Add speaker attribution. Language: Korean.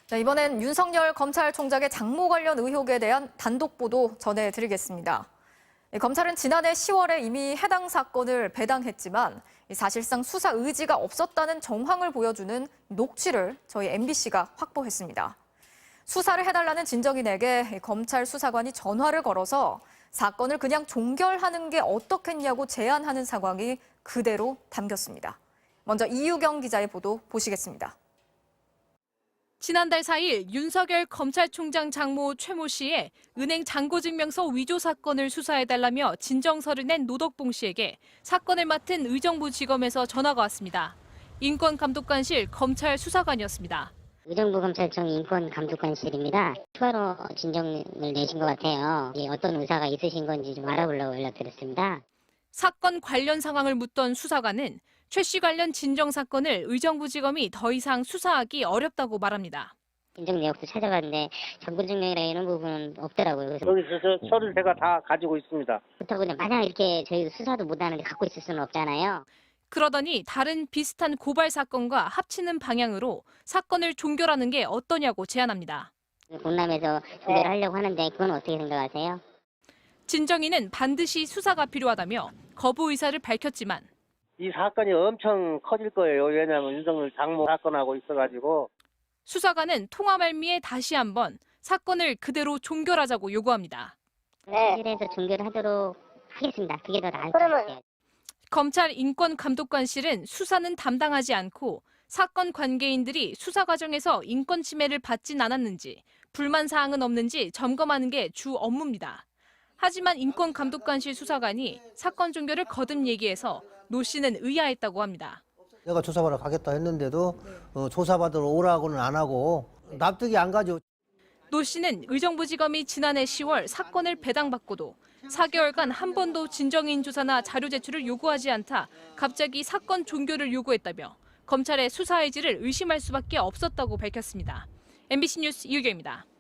Speaker 1: 자, 이번엔 윤석열 검찰총장의 장모 관련 의혹에 대한 단독 보도 전해드리겠습니다. 검찰은 지난해 10월에 이미 해당 사건을 배당했지만 사실상 수사 의지가 없었다는 정황을 보여주는 녹취를 저희 MBC가 확보했습니다. 수사를 해달라는 진정인에게 검찰 수사관이 전화를 걸어서 사건을 그냥 종결하는 게 어떻겠냐고 제안하는 상황이 그대로 담겼습니다. 먼저 이유경 기자의 보도 보시겠습니다.
Speaker 2: 지난달 4일 윤석열 검찰총장 장모 최모 씨의 은행 잔고증명서 위조 사건을 수사해달라며 진정서를 낸 노덕봉 씨에게 사건을 맡은 의정부지검에서 전화가 왔습니다. 인권감독관실 검찰 수사관이었습니다.
Speaker 3: 의정부검찰청 인권감독관실입니다. 추가로 진정을 내신 것 같아요. 어떤 의사가 있으신 건지 좀 알아보려고 연락드렸습니다.
Speaker 2: 사건 관련 상황을 묻던 수사관은 최 씨 관련 진정 사건을 의정부지검이 더 이상 수사하기 어렵다고 말합니다.
Speaker 3: 진정 내역도 찾아봤는데 잔고증명이나 이런 부분은 없더라고요. 그래서
Speaker 4: 여기서 서류 제가 다 가지고 있습니다.
Speaker 3: 그렇다고 그냥 마냥 이렇게 저희 수사도 못하는데 갖고 있을 수는 없잖아요.
Speaker 2: 그러더니 다른 비슷한 고발 사건과 합치는 방향으로 사건을 종결하는 게 어떠냐고 제안합니다.
Speaker 3: 공남에서 조결을 하려고 하는데 그건 어떻게 생각하세요?
Speaker 2: 진정인은 반드시 수사가 필요하다며 거부 의사를 밝혔지만
Speaker 4: 이 사건이 엄청 커질 거예요. 왜냐하면 윤석열 장모 사건하고 있어가지고.
Speaker 2: 수사관은 통화 말미에 다시 한번 사건을 그대로 종결하자고 요구합니다.
Speaker 3: 네. 그래서 종결을 하도록 하겠습니다. 그게 더 나을 것 같아요.
Speaker 2: 검찰 인권감독관실은 수사는 담당하지 않고 사건 관계인들이 수사 과정에서 인권 침해를 받진 않았는지 불만 사항은 없는지 점검하는 게 주 업무입니다. 하지만 인권감독관실 수사관이 사건 종결을 거듭 얘기해서 노 씨는 의아했다고 합니다.
Speaker 5: 내가 조사받으러 가겠다 했는데도 조사받으러 오라고는 안 하고 납득이 안 가죠.
Speaker 2: 노 씨는 의정부지검이 지난해 10월 사건을 배당받고도 4개월간 한 번도 진정인 조사나 자료 제출을 요구하지 않다 갑자기 사건 종결을 요구했다며 검찰의 수사 의지를 의심할 수밖에 없었다고 밝혔습니다. MBC 뉴스 이유경입니다.